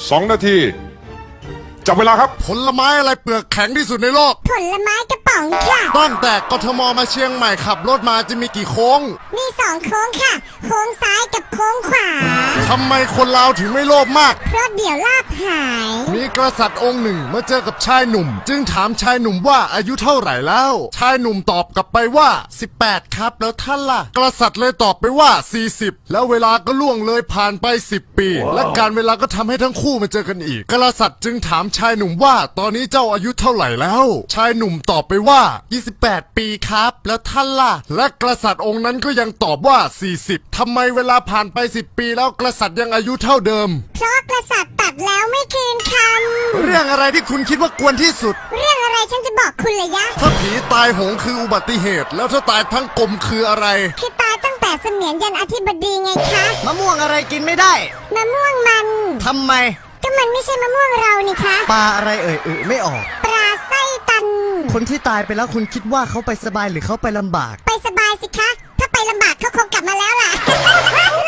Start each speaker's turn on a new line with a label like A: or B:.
A: 2 นาทีจับเวลาครับ
B: ผลไม้อะไรเปลือกแข็งที่สุดในโลก
C: ผลไม้กระป๋องค่ะ
B: ตั้งแต่กทมมาเชียงใหม่ขับรถมาจะมีกี่โค้ง
C: มี2 โค้งค่ะโค้งซ้ายกับโค้งขวา
B: ทำไมคนลาวถึงไม่โลภมาก
C: เพราะเดี๋ยวลาบหาย
B: มีกษัตริย์องค์หนึ่งมาเจอกับชายหนุ่มจึงถามชายหนุ่มว่าอายุเท่าไหร่แล้วชายหนุ่มตอบกลับไปว่า18ครับแล้วท่านล่ะกษัตริย์เลยตอบไปว่า40แล้วเวลาก็ล่วงเลยผ่านไป10 ปีและการเวลาก็ทำให้ทั้งคู่มาเจอกันอีกกษัตริย์จึงถามชายหนุ่มว่าตอนนี้เจ้าอายุเท่าไหร่แล้วชายหนุ่มตอบไปว่า28 ปีครับแล้วท่านล่ะและกษัตริย์องค์นั้นก็ยังตอบว่า40ทำไมเวลาผ่านไป10 ปีแล้วกษัตริย์ยังอายุเท่าเดิม
C: เพราะกษัตริย์ตัดแล้วไม่คืนค
B: ำเรื่องอะไรที่คุณคิดว่ากวนที่สุด
C: เรื่องอะไรฉันจะบอกคุณเลยยะ
B: ถ้าผีตายโหงคืออุบัติเหตุแล้วถ้าตายทั้งกลมคืออะไร
C: คือตายตั้งแต่เสมียนยันอธิบดีไงคะ
B: มะม่วงอะไรกินไม่ได้
C: มะม่วงมัน
B: ทำไม
C: ก็มันไม่ใช่มะม่วงเรานี่คะ
B: ปลาอะไรไม่ออก
C: ปลาไส้ตัน
B: คนที่ตายไปแล้วคุณคิดว่าเขาไปสบายหรือเขาไปลำบาก
C: ไปสบายสิคะถ้าไปลำบากเขาคงกลับมาแล้วล่ะ